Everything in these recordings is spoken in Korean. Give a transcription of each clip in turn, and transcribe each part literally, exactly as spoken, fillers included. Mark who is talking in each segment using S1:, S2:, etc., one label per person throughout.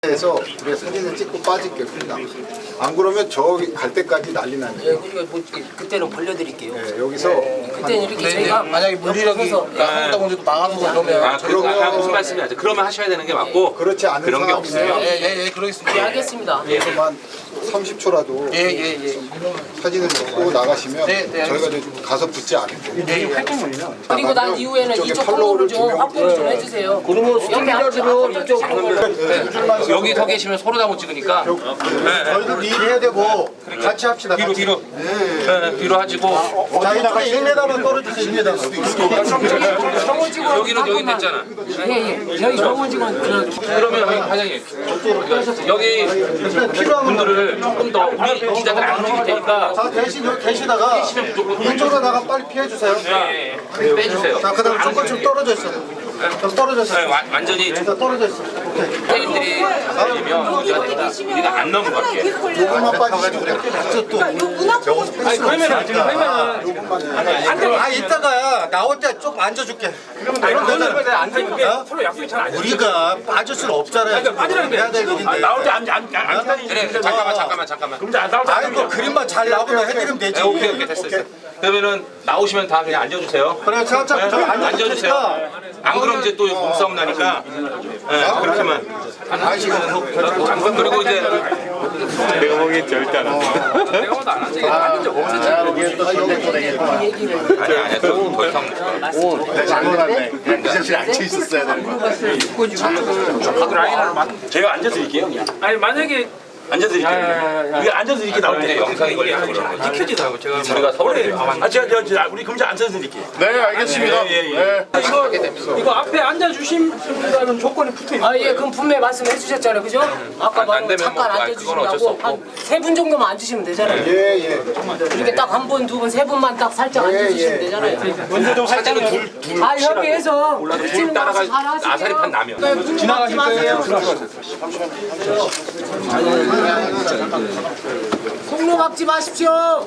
S1: 해서 우리가 사진을 찍고 빠질게요. 그냥. 안 그러면 저기 갈 때까지 난리 나네.
S2: 예, 그러니까 뭐 그때는 벌려드릴게요.
S1: 네, 여기서
S2: 네, 그때는 이렇게
S3: 네,
S2: 저희가
S3: 만약에 물리력이 하다 보니까 망하는 거 그러면
S4: 아, 그, 아, 무슨 말씀이죠? 그러면 하셔야 되는 게 맞고
S1: 그렇지 않은
S4: 그런 게
S1: 상황이면
S4: 없어요.
S3: 예예예 그러겠습니다.
S2: 예, 알겠습니다.
S1: 그래서만 삼십 초라도
S3: 예예예 예,
S1: 사진을 찍고 나가시면
S3: 네, 네,
S1: 저희가 이제 가서 붙지 않을게요.
S2: 그리고 난 이후에는
S1: 이쪽에
S2: 이쪽
S1: 팔로우를
S2: 팔로우를 좀
S1: 주면-
S2: 확보를 좀 해주세요.
S3: 그러면
S2: 옆에 앞쪽 이쪽
S4: 여기 서 계시면 서로 다 못 찍으니까
S5: 저희도 일 해야 되고 같이 합시다.
S4: 뒤로
S5: 같이.
S4: 뒤로 네, 뒤로 하시고
S5: 자, 이쪽에 일 미터만 떨어주세요. 일 미터.
S2: 정원직원
S4: 여기는 여기 됐잖아.
S2: 예예. 저희 정원직원
S4: 그러면 여기 과장님 여기 분들을 조금 더 우리 기자들 안 움직일 테니까
S5: 자, 대신 여기 계시다가 이쪽으로 나가 빨리 피해 주세요.
S4: 예, 예. 빼주세요.
S5: 자, 그다음 조금 좀 떨어져 있어. 좀 떨어져 있어.
S4: 네, 와- 완전히
S5: 자, 떨어져 있어. 오케이.
S4: 선생님들이 걸리면 문제가 된다. 우리가 안 넘어갈게.
S1: 조금만 빠지시면 돼요.
S5: 아, 이따가 나올 때 좀 앉아줄게. 그러면 너는
S6: 앉아있게 서로 약속이 잘 안 돼.
S5: 우리가 빠질 수는 없잖아요. 지금. 해야 될 일인데.
S6: 나올 때 앉안 타니.
S4: 그래, 그래, 잠깐만 잠깐만 잠깐만.
S6: 그럼 안 나올 때
S5: 아니, 뭐 그림만 잘 나오면 해드리면 되지.
S4: 네, 오케이 오케이 됐어 됐어. 그러면은 나오시면 다 그냥 앉아주세요.
S5: 그래, 차차 저기 앉아줄
S4: 앉아주세요.
S5: 테니까.
S4: 안 그러면 이제 또 몸싸움 나니까. 네, 그렇게만. 그리고 이제
S6: 내가 보기엔 절대 안 한다. 내가 보다 안 하지. 앉은 적 없었지.
S4: 아니 아니야 더, 더 이상
S5: 잘못했네. 기자실에 앉아 있었어야 되는 거야.
S6: 제가 앉아드릴게요. 그냥. 아니 만약에 앉아드릴게요. 우리가 앉아드릴게 나올 때
S4: 영상이 걸려서 그런 거지.
S6: 지켜지더라고. 제가
S4: 우리가 서울에
S6: 아 제가 저, 저 우리 검사 앉아드릴게요.
S5: 네, 알겠습니다.
S6: 예, 예. 이거 이거 앞에 앉아주신다는 조건이 붙어 있는.
S2: 아 예, 그럼 분명히 말씀해 주셨잖아요, 그죠? 아까
S4: 안
S2: 말한
S4: 되면
S2: 잠깐
S4: 뭐, 아, 그건 어쩔 수
S2: 앉아주신다고
S4: 없고.
S2: 한 세 분 정도만 앉으시면 되잖아요.
S1: 예, 예.
S2: 이렇게 딱 한 분, 두 분, 세 분만 딱 살짝 앉아주시면 되잖아요.
S6: 먼저 좀 사진은 둘 둘.
S2: 아 협의해서
S4: 둘 따라가 아사리판 나면
S2: 지나가실 거예요. 속로 막지 마십시오.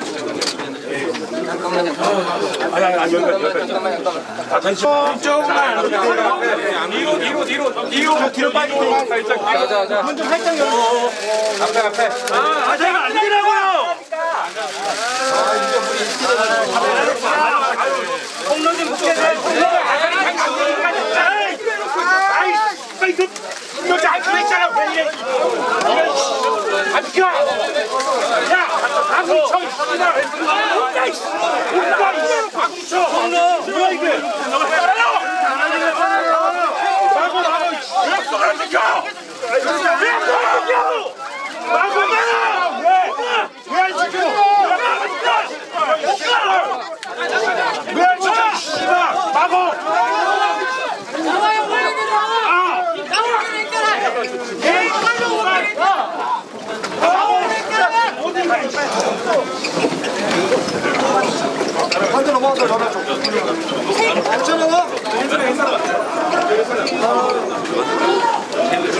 S6: 아니 아니 아니 여기가 여기가. 아 잠시만. 조금만. 뒤로 뒤로 뒤로 뒤로 뒤로 빠지고 살짝. 자자자. 문좀 살짝 열어.
S4: 앞에 앞에
S6: 아, 아 제가 안 되라고요. 홈런 좀 붙게 돼. 아이, 아이 그 여자 안 그랬잖아. 왜 이래? 안 비켜. 야, 박우청 씨나. 야, 이씨. 뭔가 이거 박우청. 홈런. 뭐야 이게? 너가 따라요. 마고 마고. 왜 손을 안 비켜? 왜 손을 안 비켜? 마고 마고. 왜? 왜 안 지켜? 왜 안 지켜? 씨발. 마고.
S7: 나와요 빨리 내려와. 나와요 내려와.
S6: 에이,
S5: 한대 넘어가서 전화 줘. 괜찮아?